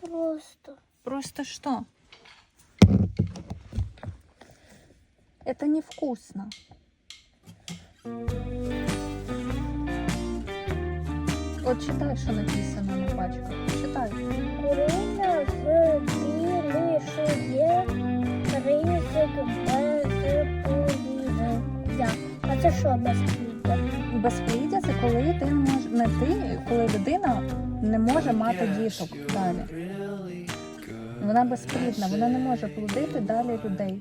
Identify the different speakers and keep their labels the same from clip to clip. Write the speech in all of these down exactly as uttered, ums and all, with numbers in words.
Speaker 1: Просто.
Speaker 2: Просто что? Это невкусно. Вот читай, что написано на пачках. Читай.
Speaker 1: Куріння збільшує ризик безпліддя. А це що безпліддя?
Speaker 2: Безпліддя – це коли ти не мож... не ти, коли людина не може мати діток далі. Вона безплідна, вона не може плодити далі людей.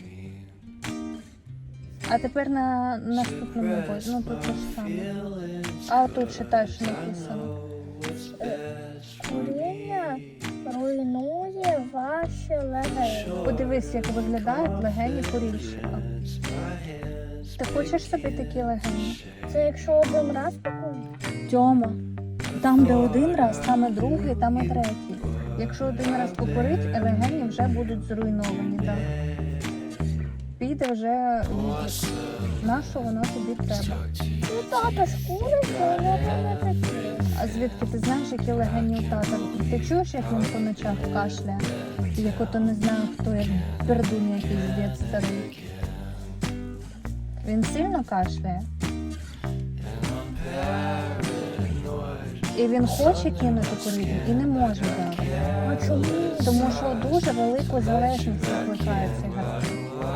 Speaker 2: А тепер на наступному боці, ну тут те ж саме. А отут читай, що написано.
Speaker 1: Куріння руйнує ваші легені.
Speaker 2: Подивись, як виглядають легені курільщика. Ти хочеш собі такі легені?
Speaker 1: Це якщо один раз покурити?
Speaker 2: Тьома, там де один раз, там і другий, там і третій. Якщо один раз покурить, легені вже будуть зруйновані. Так. Піде вже відлік. На що воно тобі треба?
Speaker 1: Ну тато ж курить, але не такі.
Speaker 2: А звідки ти знаєш, які легені у тата? Ти чуєш, як він по ночах кашляє? Як ото не знаю хто, як пердун якийсь дід старий. Він сильно кашляє. І він хоче кинути курити і не може зараз.
Speaker 1: А чому?
Speaker 2: Тому що дуже велику залежність викликає цигарки.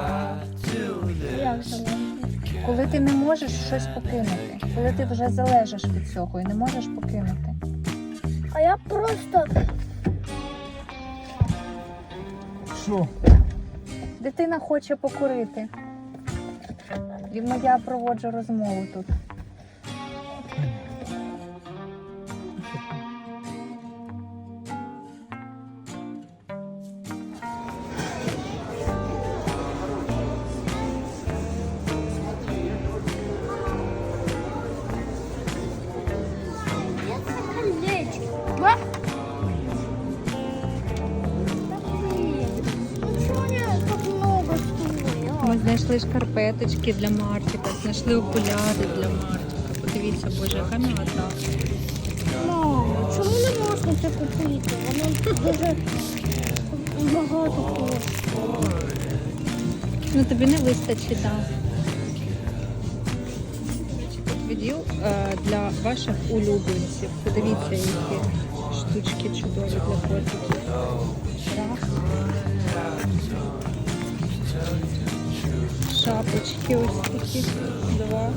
Speaker 1: Як залежить?
Speaker 2: Коли ти не можеш щось покинути, коли ти вже залежиш від цього і не можеш покинути.
Speaker 1: А я просто...
Speaker 3: Що?
Speaker 2: Дитина хоче покурити. І я проводжу розмову тут. Ми знайшли шкарпеточки для Мартіка, знайшли окуляри для Мартіка. Подивіться, боже, яка м'ята.
Speaker 1: Мамо, чому не можна це купити? Воно дуже багато коштує.
Speaker 2: Ну тобі не вистачить, так. Тут відділ е, для ваших улюбленців. Подивіться, які штучки чудові для котиків. Раз. Шапочки ось такі. Два.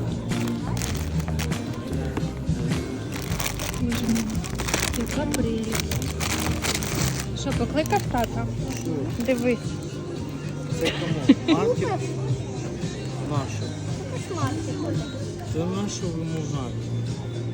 Speaker 2: Боже мій, яка прелість. Що, покликав тата? Дивись.
Speaker 3: Це кому? Маркет? Нашу.
Speaker 1: Смарті.
Speaker 3: Це нашу вимагати.